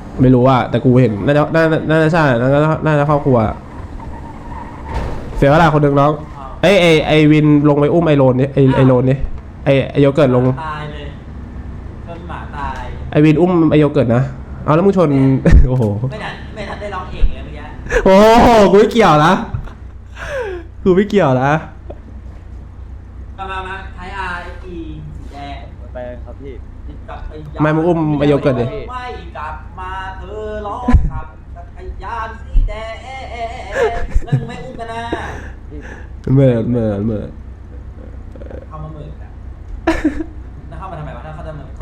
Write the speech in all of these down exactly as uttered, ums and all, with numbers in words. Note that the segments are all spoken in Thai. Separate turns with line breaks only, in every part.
ไม่รู้ว่าแต่กูเห็นน่าจะน่าน่าจะใช่น่าจะน่าจะครอบครัวเสียเวลาคนหนึ่งน้องไอไอไอวินลงไปอุ้มไอโรนนี่ไอไอโรนนี่ไอไอโยเกิร์ตลง
ตายเลยชนหมาตาย
ไอวินอุ้มไอโยเกิร์ตนะเอาแล้วมึงชนโอ้โห
ไม่ทันไม่ทันได้ร้องเองเลยเมื่อกี้
โอ้โหกูไม่เกี่ยวนะกูไม่เกี่ยวนะ
มามามาไทยอาร์อีสีแดง
ไปครับพี่
ไม่มึงอุ้มไอโยเกิร์ตดิ
ไม่กลับมาเธอร้องขับจักรยานสีแดงแล้วมึงไม่อุ้มกันนะ
เมื่อเมื่อเมื่อ
เข้ามาหมื่นนะแล้วเข้ามาทำไมวะถ้าเขาจะหมื่น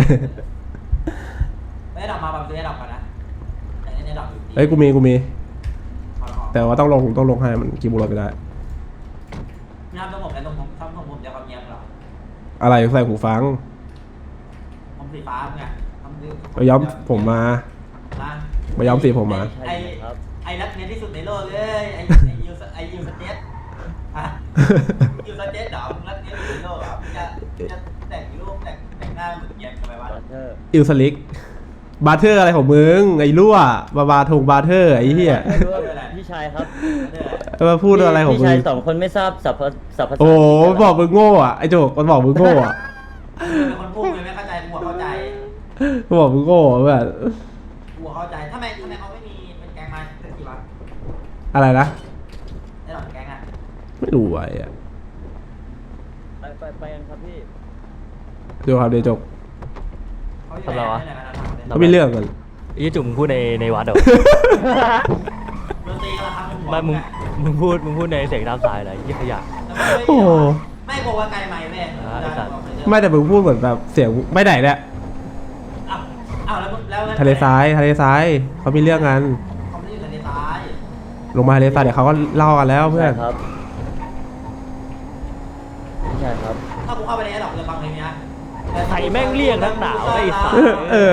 ไม่ได้ดับมาแบบไม่ได้ดับกันนะแต่ไม่ได้ดับอยู่
เฮ้ยกูมีกูมีแต่ว่าต้องลงต้องลงให้มันกี่บุหรี่ไม่ได้
ไม่ทำต้องผมแต่ต้องผมทำต้องผมจะความเงียบหรอ
อะไรใส่หูฟัง
ผมสีฟ้าไง
ไปย้อมผมมาไปย้อมสีผมมา
ไอไอรักเนี้ยที่สุดในโลกเลยไอไอยูไอยูสเตทยูสเตทดาวรักเนี้ยที่สุดในโลกอ่ะจะจะแต่งรูปแต่งแต่งหน้าเหมือนเย็บทำไมวะ
อิลสลิกบาร์เทอร์อะไรของมึงไอ้รั่วบาบาทงบาร์เทอร์ไอ้เหี้ย
พี่ชายครับ
มาพูดอะไรของมึง
พี่ชายสองคนไม่ทราบสัพสัพภาษา
โอ้บอกมึงโง่อ่ะไอ้โจกมันบอกมึงโง่อ่ะ
เป็นคนพูดเลยไม่เข้าใจกูเข้าใจ
กูบอกมึงโง่แบบ
กูเข้าใจทำไมทำไมเขาไม่มีเป็นแกงมาสักทีวะ
อะไรนะ
ไอ้หลังแกงอ่ะ
ไม่รู้ไอ้อะ
ไปไปไปกันครับพี่
เดี๋ยวครับเดี๋ยวจบ
ทำไรวะ
เขาไม่เรื่องกัน
ยี่จุ่มมึงพูดในในวัดเหรอไม่มึงมึงพูดมึงพูดในเสียงตามสายอะไรยี่ขยะ
โอ้
ไม่บอกว่าไกลไหมแม่
ไม่แต่มึงพูดเหมือนแบบเสียงไม่ไหนเนี่ยทะเลทรายทะเลทรายเขามีเรื่องกัน
เขาไม่ได้อยู่ทะเลทราย
ลงมาทะเลทรายเดี๋ยวเขาก็เล่ากันแล้วเพื่อน
ครับใช่ครับ
ถ้ากูเข้าไปในดอกจะฟังเพลงนี้
ใส่แม่งเรียกนักหนาวไอ้สัตว์
เออ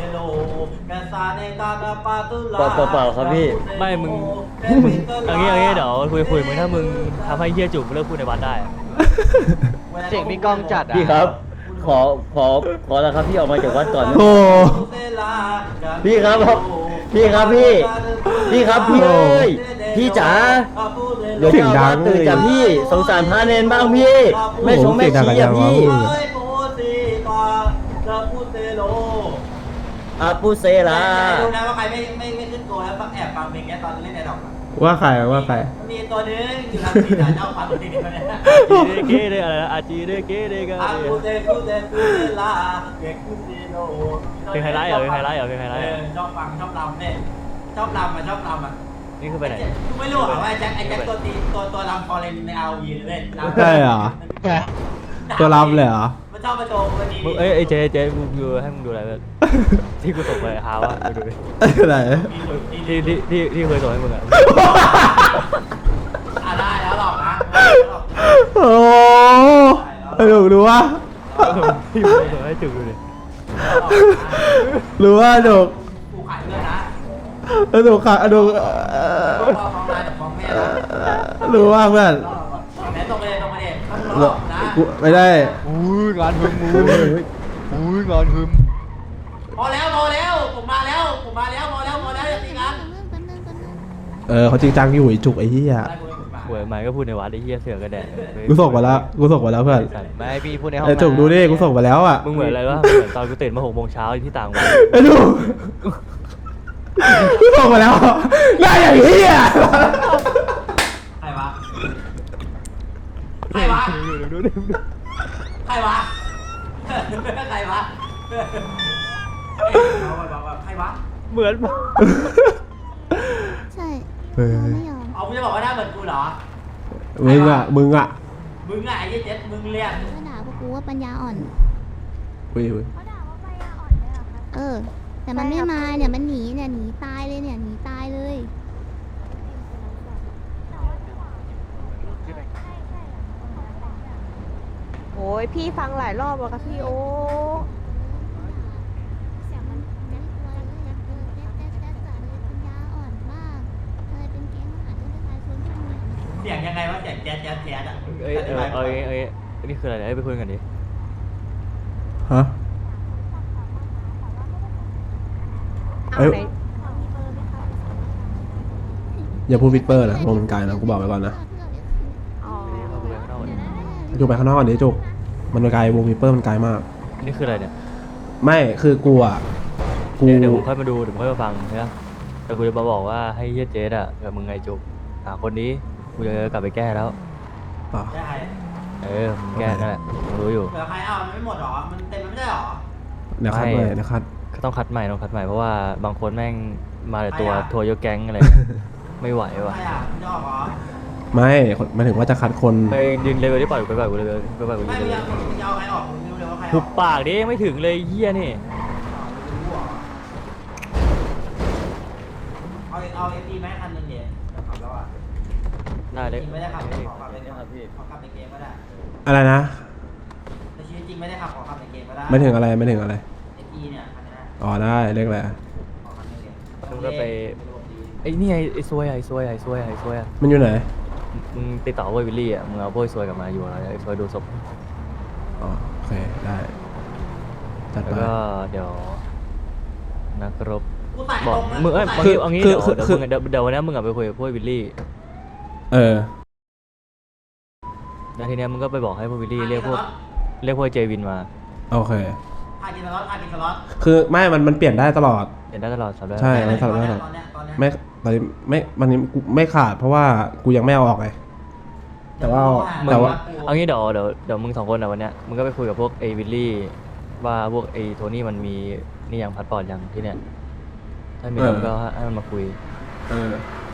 เปล่าเปล่าเปล่าครับพี่
ไม่มึงอย่างงี้อย่างงี้เดี๋ยวคุยคุยมึงถ้ามึงทำให้เฮียจุ่มเลิกพูดในวัดได้
เสียงมีกล้องจัดอ่ะ
พี่ครับขอขอขอแล้วครับพี่ออกมาจากวัดก่อน
โอ้
พี่ครับพี่ครับพี่พี่ครับพี่เอ้ยพี่จ๋า
เสียงดัง
ตื่นจากพี่สงสารพระเนนบ้างพี่ไม่ชงไม่ชี้อ่ะพี่อาปูเซลา
ดูนะว่าใครไม่ไม่ไม่ขึ้นตัวแล้วแอบฟังเพลงนี้ตอนเล่นในดอก
ว่าใครว่าใคร
มีตัวนึงอยู่ทางสีเจ้าฟังเพลงนี้มาเนี่ย
จีเก้เด้อะไรอาจีเด้เก้เด้กัน
อาปูเซปูเซปูเซลาเก็กปูเซโล
เพลงไฮไลท์เหรอเพลงไฮไลท์เหรอเพลงไฮไลท์
ชอบฟังชอบรำเนี่ยชอบรำอ่ะชอบรำอ่ะ
นี่คือไปไหน
ไม่รู้อ่ะว่าไอ้แจ็คไอ้แจ็คตัวตีตัวตัวรำฟอร์เรนในอาร์วีเลย
ใช่เหรอตัวรำเลยเหรอ
มันชอบมาโจมวันนี้
เอ้ยไอ้เจ๊เจ๊มึงดูให้มึงดูอะไรแบบที่กูส่งไปหาว่าดูดิ
อะไร
ที่ที่ที่ที่เคยส่งให้มึงอ่ะ
อ่ะได้แล้วหรอกนะ
โอ้ไอ้ดูดูว่า
ที่มึงส่งให้จุกดูดิ
รู้ว่าจุก
กูขายเพื่อนนะ
ไอ้ดูขายไอ้ดูรู้ว่าเพื่อน
แม่ตรงไปเลยตรงไปเลยต้องหลอกนะ
ไม่ได้
อุ้ยงานหึมอุ้ยงานหึม
พอแล้วพอแล้วผมมาแล้วผมมาแล้วพอแล้วพอแล้วอย่าตีกัน
เออเขาจริงจังอยู่ไอ้จุกไอ้เหี้ย
หวยใหม่ก็พูดในวัดไอ้เหี้ยเสือกระแดะ
กูส่งมาแล้วกูส่งมาแล้วเพื่อน
ไม่พี่พูดในห้อง
ไอ้จุกดูดิกูส่งมาแล้วอ่ะ
มึงเหมือนอะไรวะเหมือนตอนกูตื่นมาหกโมงเช้าที่ต่างวัด
ไอ้ดูกูส่งมาแล้วได้อย่างเหี้ย
ใครวะใครวะใครวะใครวะใครวะ
เหมือน
ใช่เราไม่ยอม
เอาคุณจะบอกว่าหน้าเหมือนกูเหรอ
มึงอ่ะมึงอ่ะ
มึงอ่ะไอ้เจ็ดมึงเรียก
เขาด่าพวกกูว่าปัญญาอ่อน
เว้ยเว้ย
เขาด่าว่าปัญญาอ่อนเลยเหรอคะเออแต่มันไม่มาเนี่ยมันหนีเนี่ยหนีตายเลยเนี่ยหนีตายเลย
โอ้ยพี่ฟังหลายรอบแล้วค่ะพี่โอ้
เสียงยังไงวะเสียงแจ๊ดแจ๊ดแจ๊ดอ่ะ
เอ้ยเออเอ้ยเอ้ยนี่คืออะไรไปคุยกันดิ
ฮะ
เอาไหน
อย่าพูดวิดเปอร์นะวงมันไกลนะกูบอกไว้ก่อนนะ
อ๋อ
เข้าไปข้างนอกดิ
จุกไปข้างนอกก่อนดิจุกมันไกลวงวิดเปอร์มันไกลมาก
นี่คืออะไรเนี่ย
ไม่คือกูอ่ะกู
เดี๋ยวเดี๋ยวผมค่อยมาดูเดี๋ยวผมค่อยมาฟังนะแต่กูจะมาบอกว่าให้เฮียเจสอะกับมึงไงจุกหาคนนี้กูจะกลับไปแก้แล้ว
อ่ะ
ได้ใคร
เออมึงแก้นั่นแหละมึงรู้อยู่
เหลือใครเอามันไม่หมดหรอมันเต็มมันไม่ได้หรอ
เดี๋ยวคัด
ไม่
ใหม่เดี๋ยวคัด
ก็ต้องคัดใหม่ต้องคัดใหม่เพราะว่าบางคนแม่งมาแต่ตัว
ใครอะ
ทัวร์ยกแก๊งอะไร ไม่ไหวว่ะ
ใครอ่ะมันจะออกเหรอ
ไม่คนหมายถึงว่าจะคัดคน
ไปยืนเลเวลที่ปล่อยกูไปปล่อยกูเลเวลไปปล่อยกู
ไม่
ยืน
มึง
เล
จะ
เวล
มึงจะเอาใครออกมึงไม่รู้เลยว่าใครอ
หุ
อบ ก
ปากดิยังไม่ถึงเลยเฮียนี่
เอาเอาเอฟดีไหมคันหนึ่งเดี๋ยวจะขับแล้วอ่ะ
ได้เลย
จริงไม่ได้ขับขอขับในเกมขอขับในเกมก็ได้
อะไรนะ
ในชีวิตจริงไม่ได้ขับขอขับในเกมก็ได้
ไม่ถึงอะไรไม่ถึงอะไร
เอฟดีเนี่ยคันนี้
อ๋อได้เรียกอะไร
ขอขับในเกม
มึงก็ไปไอ้นี่ไงไอ้ซวยไอ้ซวยไอ้ซวยไอ้ซวย
มันอยู่ไหน
มึงติดต่อพวกวิลลี่อ่ะมึงเอาพวกซวยกลับมาอยู่แล้วไอ้ซวยดูศพ
อ๋อโอเคได้จัด
แล้ว
ไป
ก็เดี๋ยวนักรบ
กูใส่
บ
ต
อ
ร
ก
งนะ
มึงเอ้ย
กู
เอา
ใส่
งี้เอางี้
คื
เดี๋
อ
ยว
คือ
เดี๋ยว
คือ
มึงเดี๋ยวเดี๋ยววันนี้มึงกลับไปคุยกับพวกวิลลี่
เออ
แล้วทีเนี้ยมึงก็ไปบอกให้พวกวิลลี่เรียกพวกเรียกพวกเจวินมา
โอเค
พากินสล็อตพากินสล็อต
คือไม่มันมันเปลี่ยนได้ตลอด
เห็นได้ตลอดสัปดาห์
ใช่
ไม่
สล็อต
ตอน
ได้
เนี้
ต
ย
ลอด
ตอนเนี้ยตอนเนี้ย
ไม่ตอนนี้ไม่มันนี้กูไม่ขาดเพราะว่ากูยังไม่เอาออกไงแต่ว่า
มึง
แต่ว่า
เอางี้เดี๋ยวเดี๋ยวเดี๋ยวมึงสองคนอ่ะวันเนี้ยมึงก็ไปคุยกับพวกไอ้วิลลี่ว่าพวกไอ้โทนี่มันมีนี่ยังพัดปอดยังที่เนี้ยถ้ามีแล้วมึงก็ให้มันมาคุย
เออ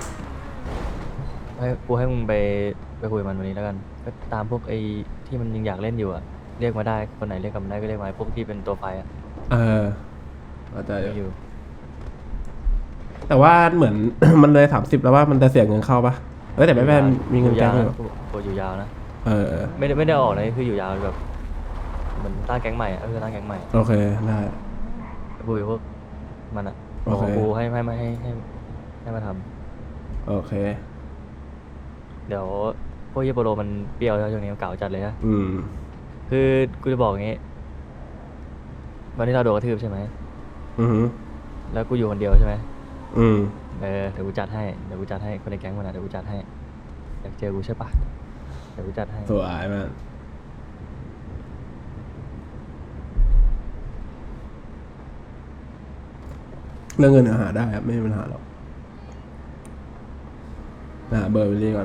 ให้กูให้มึงไปไปคุยกับมันวันนี้แล้วกันก็ตามพวกไอ้ที่มันยังอยากเล่นอยู่อ่ะเรียกมาได้คนไหนเรียกกลับมาได้ก็เรียกมาพวกที่เป็นตัวไฟอ่ะ
เออเข้าใจ
เรียก
อ
อยู่ ยู่
แต่ว่าเหมือน มันเลยสามสิบแล้วว่ามันจะเสียเงินเข้าปะเออแต่ไม่เป็นมีเงิน
อยู่
แจ้
ยาง ว
ด้วย
นะกูอยู่ยาวนะ
เออเออ
ไม่ได้ไม่ได้ออกนะคืออยู่ยาวแบบเหมือนตั้งแก๊งใหม่อ่ะก็คือตั้งแก๊งใหม่
โอเคได้
คุยกับพวกมันอ่ะ
โอเค
บอกกูให้ให้มาให้ให้ให้มาท
โอเค
ำเดี๋ยวพวกเยโปโรมันเปรี้ยวแล้วช่วงนี้มันเก่าจัดเลยนะ
อืม
คือกูจะบอกอย่างงี้ วันที่เราโดนกระทืบใช่ไหม
อือหือ
แล้วกูอยู่คนเดียวใช่ไหม
อืม
เออเดี๋ยวกูจัดให้เดี๋ยวกูจัดให้คนในแก๊งมันอ่ะเดี๋ยวกูจัดให้อยากเจอกูใช่ปะเดี๋ยวกูจัดให้
สวยมากเรื่องเงินเดี๋ยวหาได้ครับไม่มีปัญหาหรอกหาเบอร์วิลลี่ก่อน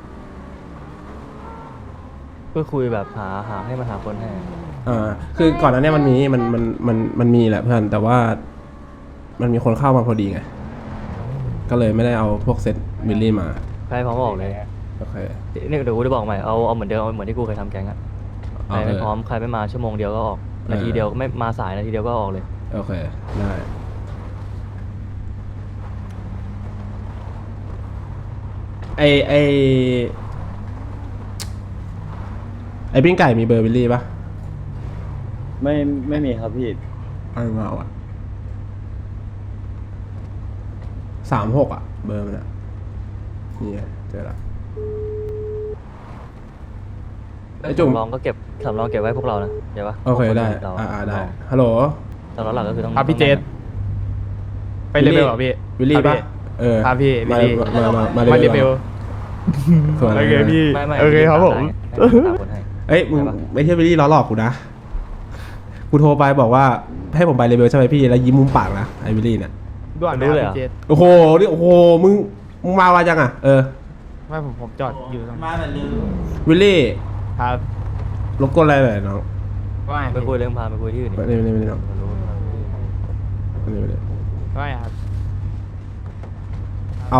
ก็คุยแบบหาหาให้มันหาคนให้
อ่า คือก่อนหน้าเนี้มันมีมันมันมันมันมีแหละเพื่อนแต่ว่ามันมีคนเข้ามาพอดีไง ก็เลยไม่ได้เอาพวกเซตวิลลี่มา
ใครพร้อมออกเลย
โอเค
นี่เดี๋ยวกูจะบอกใหม่เอาเอาเหมือนเดิมเอาเหมือนที่กูเคยทำแก๊งอะใคร
เอาเลย
ไม่พร้อมใครไม่มาชั่วโมงเดียวก็ออก
เออ
นาทีเดียวไม่มาสายนาทีเดียวก็ออกเลย
โอเค ได้ ไอไอไอปิ้งไก่มีเบอร์วิลลี่ปะ
ไม่ไม่มีครับพี่
เอามาเอาอะสามหกอะเบอร์มันอะนี่ไงเจอละไอจุ่ม
สำรองก็เก็บสำรองเก็บไว้พวกเรานะเดี๋ยวปะ
โอเคได้
เรา
อ่าอ่าได้
สำรอง
ฮัลโหล
สำรองหลักก็คือต้อง
ครับพี่เจษ ไปเลเวลเหรอพี่
วิลลี่
ครั
ปะ
บพี่
เออ
ครับพี่
มา
วิลลี่
มามามา
มาเลเวล
ส่วน
โอเคพี่
ไม่ไม่
โอเคครับผม
ให้นตามคนให้
เอ้ยมึง
ได้ปะ
ไม่ใช่วิลลี่ล้อหลอกกูนะ กูโทรไปบอกว่าให้ผมไปเลเวลใช่ไหมพี่ แล้วยิ้มมุมปากนะไอ้วิลลี่เนี่ย
ด่วน
รู้เลยเหรอ
พี่เจษ
โอ้โห นี่โอ้โห มึง มึงมาว่าจังอ่ะ เออ
ไม่ผมผมจอดอยู่ตรง
มาแบบลืม
วิลลี่
ครับ
รบกวนอะไรหน่อยน้อง
ว่าไง
ไปคุยเรื่องพาไปคุยที่อื่นดิ
ไม่ได้ไม่ได้ไม่ได้น้อง
มันรู้
ไม่ได้ไม่ได้
ว่าไงครับ
เอา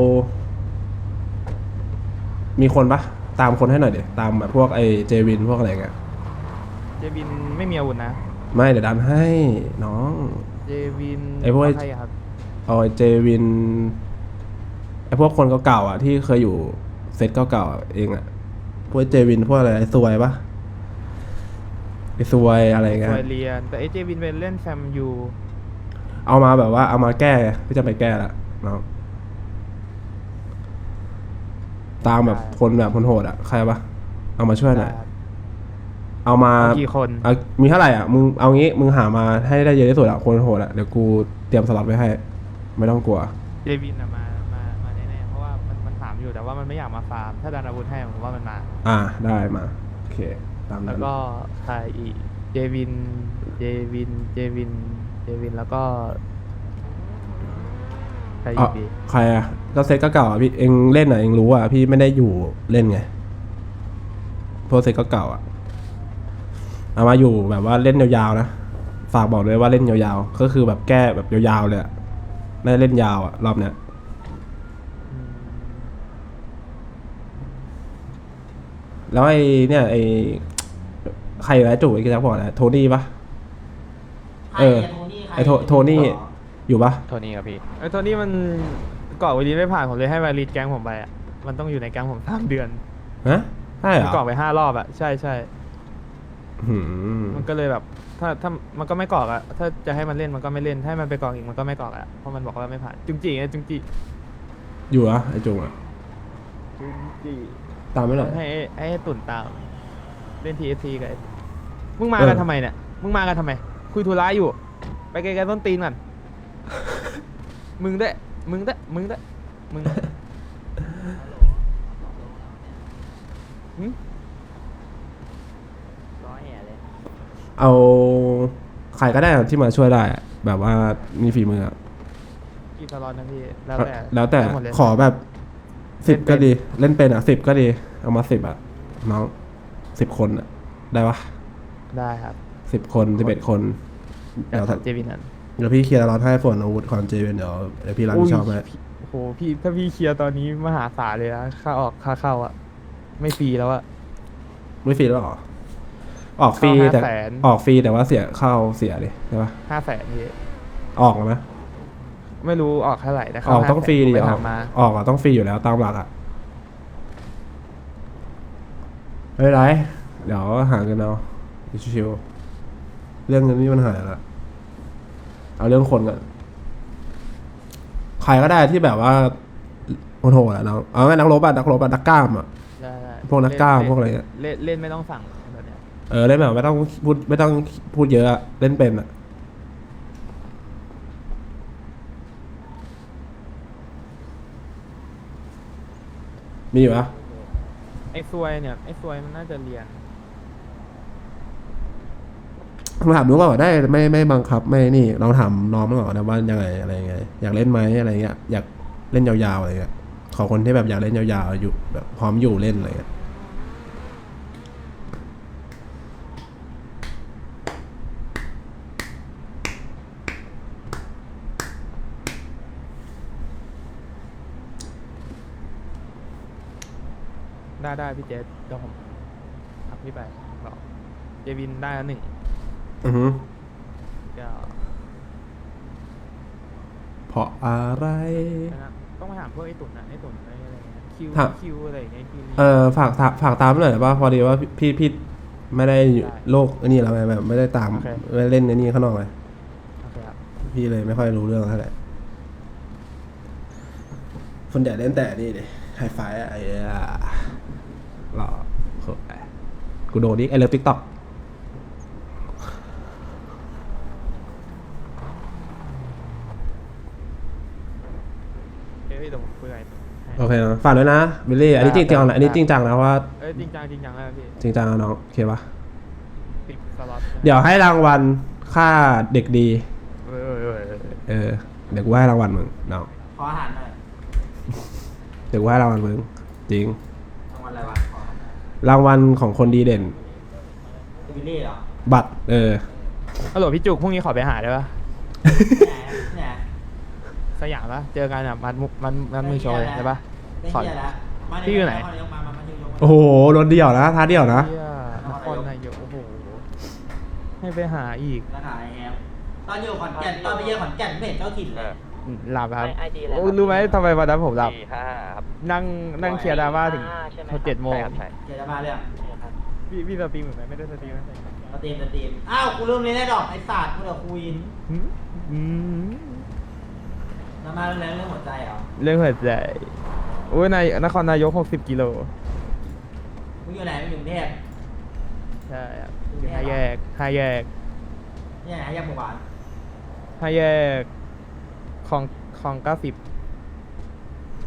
มีคนปะตามคนให้หน่อยเดี๋ยวตามแบบพวกไอ้เจวินพวกอะไรเงี้ย
เจวินไม่มีอาวุธนะ
ไม่เดี๋ยวดันให้น้อง
เจวิน
ไอ้พวก
ใครอะครับ
เอาไอ้เจวินไอ้พวกคนเก่าๆอ่ะที่เคยอยู่เซตเก่าๆอ่ะเองอ่ะพวกเจวินพวกอะไรไอ้ซวยปะไอ้ซวยอะไร
เค
เงี้ย
ยเรียน แต่ไอ้เจวินเป็นเล่นแฟมยู
เอามาแบบว่าเอามาแก้พี่จะไปแก้ละน้องตามแบบคนแบบคนโหดอ่ะใครปะเอามาช่วยหน่อยเอามา
เอากี่คน
เอามีเท่าไหร่อ่ะมึงเอางี้มึงหามาให้ได้เยอะที่สุดอ่ะคนโหดอ่ะเดี๋ยวกูเตรียมสล็อตไว้ให้ ไม่ต้องกลัว
เจวินอะมามามาแน่ๆเพราะว่ามันอยู่แต่ว่ามันไม่อยากมาฟาร์มถ้าดันอาวุธให้ผมว่ามันมา
อ่าได้มาโอเคตาม
แล้
นั้
วน ก็ใครอีกเจวินเจวินเจวินเจวินแล้วก็ใคร
อ๋
อี
อก
ดี
ใครอ่ะก็เซตก็เก่าอ่ะพี่เองเล่นอ่ะเองรู้อ่ะพี่ไม่ได้อยู่เล่นไงเพราะเซตก็เก่าอ่ะเอามาอยู่แบบว่าเล่นยาวๆนะฝากบอกเลยว่าเล่นยาวๆก็คือแบบแก้แบบยาวๆเลยอ่ะไม่ได้เล่นยาวอ่ะรอบเนี้ย
อืม
แล้วไอ้เนี่ยไอ้ใครอยู่แล้วจู่ไอ้กิจบอกนะโทนี่ปะ เออ
ใครโทนี่ใคร
ไอ้โทโทนี่อยู่ปะ
โทนี่ครับพี่
ไอ้ตัวนี้มันเกาะวันนี้ไม่ผ่านผมเลยให้วาลีดแก๊งผมไปอ่ะมันต้องอยู่ในแก๊งผมสามเดือน
ฮะใช่เหร
มัน
อ
เกาะไปห้ารอบอ่ะใช่ใช่
หืม
มันก็เลยแบบ ถ้าถ้ามันก็ไม่เกาะอ่ะถ้าจะให้มันเล่นมันก็ไม่เล่นให้มันไปเกาะอีกมันก็ไม่เกาะอ่ะเพราะมันบอกว่าไม่ผ่านจุงจีไงจุงจี
อยู่อะไอ้จุงอะ
จุงจี
ตามไม่หน่อย
ให้ให้ให้ตุ่นตามเล่นทีเอฟซีกับไอ้มึงมา
เออ
กันทำไมเนี่ยมึงมากันทำไม คุยธุระอยู่ ไปไกลๆต้นตีนก่อน มึงด้วยมึงด้วยมึงด้วยมึงหึ
เอาใครก็ได้ที่มาช่วยได้อะแบบว่ามีฝีมืออะ
กี่สล็อตนะพี่แล้วแต่
แล้วแต่
หมดเลย
ขอแบบสิบ
เล่นเป็น
ก็ดี เล่นเป็นอ่ะสิบก็ดี เอามาสิบอ่ะน้องสิบคนอ่ะ ได้ปะ
ได้ครับ
สิบคนสิบเอ็ดคน
เดี๋
เดี๋
ย
ยว ว
ทำเจวินนั้น
เดี๋ยวพี่เคลียร์ร้อนให้ฝนอาวุธความเจเวนเดี๋ยวเดี๋ยวพี่รับผิดชอบให้
ยพี่โอ้โหพี่ถ้าพี่เคลียร์ตอนนี้มหาศาลเลยนะค่าออกค่าเข้าอะไม่ฟรีแล้วอะ
ไม่ฟรีแล้วเหรอ ออกฟรี
เข้า
แต่
ห้าแสน
ออกฟรีแต่ว่าเสียเข้าเสียดิใช่ปะ
ห้าแสนพี่
ออกไหม
ไม่รู้ออกเท่าไหร่แต่
อ
เข้า
อกต้องฟรีดิ
ไป
ออ
ถาก มมา
ออกอะต้องฟรีอยู่แล้วตามหลักอะไม่เป็นไรเดี๋ยวหากันเอาชิวๆเรื่องเงินนี่มันหายละเอาเรื่องคนก่อนใครก็ได้ที่แบบว่าโหดๆอะเนาะเอาไงนักรบอะนักรบอะนักกล้ามอะ
ได้ได้
พวกนักกล้าม
เล่น
พวกอะไรเงี้ย
เล่นเล่นไม่ต้องสั่งแบบเนี้ย
เออเล่นแบบไม่ต้องพูดไม่ต้องพูดเยอะอะเล่นเป็นอะมีอยู่ปะ
ไอ้ซวยเนี่ยไอ้ซวยมันน่าจะเรียน
ลองถามดูก่อนว่าได้ไม่ไม่บังคับไม่นี่ลองถามน้องมันก่อนนะว่ายังไงอะไรยังไงอยากเล่นไหมอะไรเงี้ยอยากเล่นยาวๆอะไรเงี้ยขอคนที่แบบอยากเล่นยาวๆอยู่แบบพร้อมอยู่เล่นอะไรเงี้ย
ได้ได้พี่เจสเดี๋ยวผมทักพี่ไปบอกเจวินได้แล้วหนึ่ง
อือฮึ
เดี๋ยว
เพราะอะไร
นะต้องมาถามพวกไอ้ตุ่นนะไอ้ตุ่นอะไรอะไรเงี้ยคิว
ถาม
คิวอะไรอย่างเงี้ยคิว
เออฝากฝากฝากตามหน่อยได้ป่ะพอดีว่าพี่พี่ไม่ได้อยู่
ได้
โลกอันนี้แล้วไงแบบไม่ได้ตาม
โอเค
ไม่ได้เล่นอันนี้ข้างนอกไง
โอเคครับ
พี่เลยไม่ค่อยรู้เรื่องเท่าไหร่คนใหญ่เล่นแต่นี่ดิไฮไฟอะไอ้อะหล่อโคตรกูโดนดิไอเลิฟติ๊กต็อก
เอ้ยเดี๋ยวผมคุยกับไอ้ตุ่นให้
โอเคนะฝากด้วยนะบิลลี่อันนี้จริงจังนะอันนี้จริงจังนะเพราะว่า
เอ้ยจริงจังจริงจังแล้วพี่
จริงจังนะน้องโอเคปะ
ติดสล็อต
เดี๋ยวให้รางวัลค่าเด็กดี
เออเออเออเออ
เออเดี๋ยวกูให้รางวัลมึงน้อง
ขออาหารหน่อย
เดี๋ยวกูให้รางวัลมึงจริง
รางวัลอะไรวะขออาหารหน่อย
รางวัลของคนดีเด่น
วิลลี่เหรอ
บัตรเออ
ฮัลโหลพี่จุกพรุ่งนี้ขอไปหาได้ปะ
ที่ไหนที่ไหน
สยามปะเจอกันอ่ะมันมุกมันมันมือโชว์เลยได้ปะ
ไม่
ขอ
เชื่อแล้วมา
พี่อยู่ไหน
มามามามามามา
โอ้โหรถเดี่ยวนะท้าเดี่ยวนะ
เหี้ยนครนายกโอ้โหให้ไปหาอีก
ราคาไอ้แฮมตอนอยู่ขอนแก่นตอนไปเยี่ยมขอนแก่นไม่เห็นเจ้าถิ่นเลย
หลับครับ
ไอดีอะไร
โอ้รู้ไหมทำไมวันนั้นผมหลับ
สี่ห้าครับ
นั่งนั่งเคลียร์ดราม่าถึงเจ็ดโมง
ใช่ครับใช่
เดี๋ยวจะมาเรื่อง
พี่พี่สตรีมเหมือนไหมไม่ได้สตรีมนะ
สตรีมสตรีมอ้าวกูลืมเลยนะดอกไอ้ศาสตร์กูเดี๋ยวคุย
หืมอืม
มามาเรื่องอะไรเรื่องหัวใจเหรอ
เรื่องหัวใจโอ้ยนายนครนายกหกสิบกิโล
มึงอยู่ไหนมึงอยู่กรุงเทพ
ใช่ครับอยู่ห้าแยกห้าแยก
เนี่ยไหนยังหมู่บ้าน
ห้าแยกคลองคลองเก้าสิบ
อ๋อ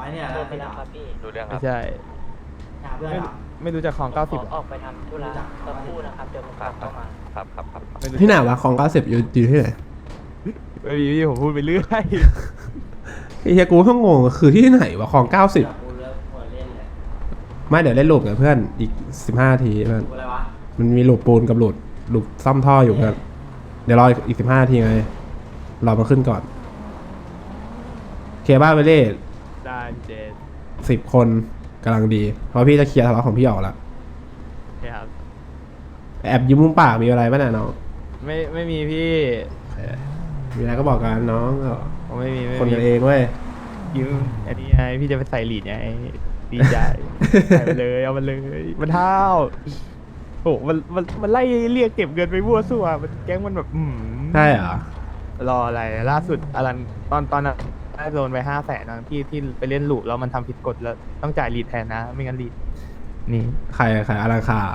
อยเนี่ยแล้วไปดับ
ดูเรื่องค
ไม่
รับ
ใช่
หาเพื่อน
ไม่
เหรอ
ไม่รู้จักของเก้าสิบ
ออกไปทำธุระสักครู่นะครับ เดี๋ยวผมกลับเข้ามา
ครับครับครับครับ
ไม่รู้
ที่ไหนวะของเก้าสิบอยู่อยู่ที่ไหน
ไม่มีพี่ผมพูดไปเรื่อย
ไอ้เฮียกูก็งงคือที่ไหนวะของเก้าสิบ
กูเลิกหัวเล่นเลย
ไม่เดี๋ยวเล่นลูปกับเพื่อนอีกสิบห้านาทีเพื่อน
กูอะไรวะ
มันมีลูปปูนกับลูปลูปซ่อมท่ออยู่เพื่อนเดี๋ยวรออีกสิบห้านาทีไงรอมาขึ้นก่อนเคบ้าไปเล่
ได้เจน
สิบคนกำลังดี เพราะพี่จะเคลียร์ทะเลาะของพี่ออกแล้ว
ครับ
แอบยิ้มมุมปากมีอะไรบ้างนะน้อง
ไม่ไม่มีพี่
เออมีอะไรก็บอกกันน้องก็
ผมไม่มีไม่
คน
มี
กันเองเว้ย
ยิ้มอันนี้ไงพี่จะไปใส่หลีดไงดีใจ ใส่ไปเลยเอามันเลยมันเท่าโอ้มันมันมันไล่เรียกเก็บเงินไปมั่วซั่วมันแก๊งมันแบบอืม
ใช่เหรอ
รออะไรล่าสุดอลันตอนตอนนั้นได้โดนไปห้าแสนนะที่ที่ไปเล่นลูปแล้วมันทำผิดกฎแล้วต้องจ่ายลีดแทนนะ ไม่งั้นลีดนี่
ใครใครอาราคาร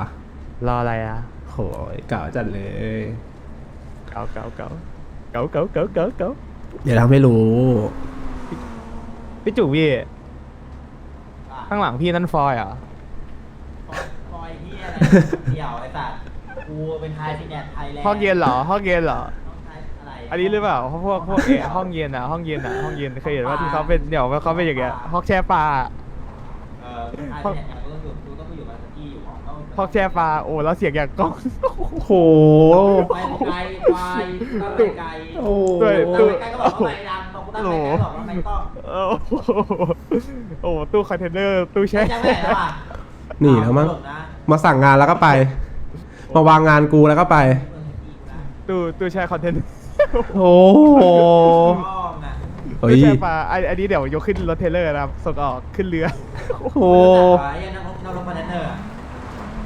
ออะไรอ่ะ
โหยเก่าจัดเลย
เก๋าเก๋าเก๋าเก๋าเก๋าเก๋าเก๋าเก๋า
เดี๋ยวทำให้รู้
พี่จุ๋พี่
อ่ะ
ข้างหลังพี่นั่นฟอยเหรอ
คอยเฮียอะไรเดี่ยวไอ้สัตว์กูเป็นไทยซีเน็ตไทยแลนด์
ห้องเย็นเหรอห้องเย็นเหรอ
ห้องไทยอะไร
อันนี้หรือเปล่าพวกพวกเออห้องเย็นอ่ะห้องเย็นอ่ะห้องเย็นเคยเห็นว่าที่เขาเป็นเดี๋ยวเขาเป็นอย่างเงี้ยห้องแช่ปลา
เออเป็นไทยซีเน็ตเนี่ยกูต้องอยู่กูต้องไปอยู่มาสกี้อยู่ของเขา
ห้องแช่ปลาโอ้แล้วเสียงอย่างกล้อง
โห
ไปไกลไปตั้งไปไกล
โอ้
ด้วย
ตั้งไปไกลก็บอกว่าไปดังบอกกูตั้งไปไกลก็บอกว่าไม่ต้อง
โอ้โหโอ้โหตู้คอนเทนเนอร์ตู้แช่
ไม่จำไม่ได้แล้วอ่ะ
หนีแล้วมั้ง
เอานะ
มาสั่งงานแล้วก็ไป มาวางงานกูแล้วก็ไป
ตู้ตู้แช่คอนเทนเนอร์
โอ้โห
ห้องอ่ะ
เฮ้ย
ตู้แช่ปลาอันอันนี้เดี๋ยวยกขึ้นรถเทรลเลอร์นะครับส่งออกขึ้นเรือ
โอ้โห
ไอ้ยัน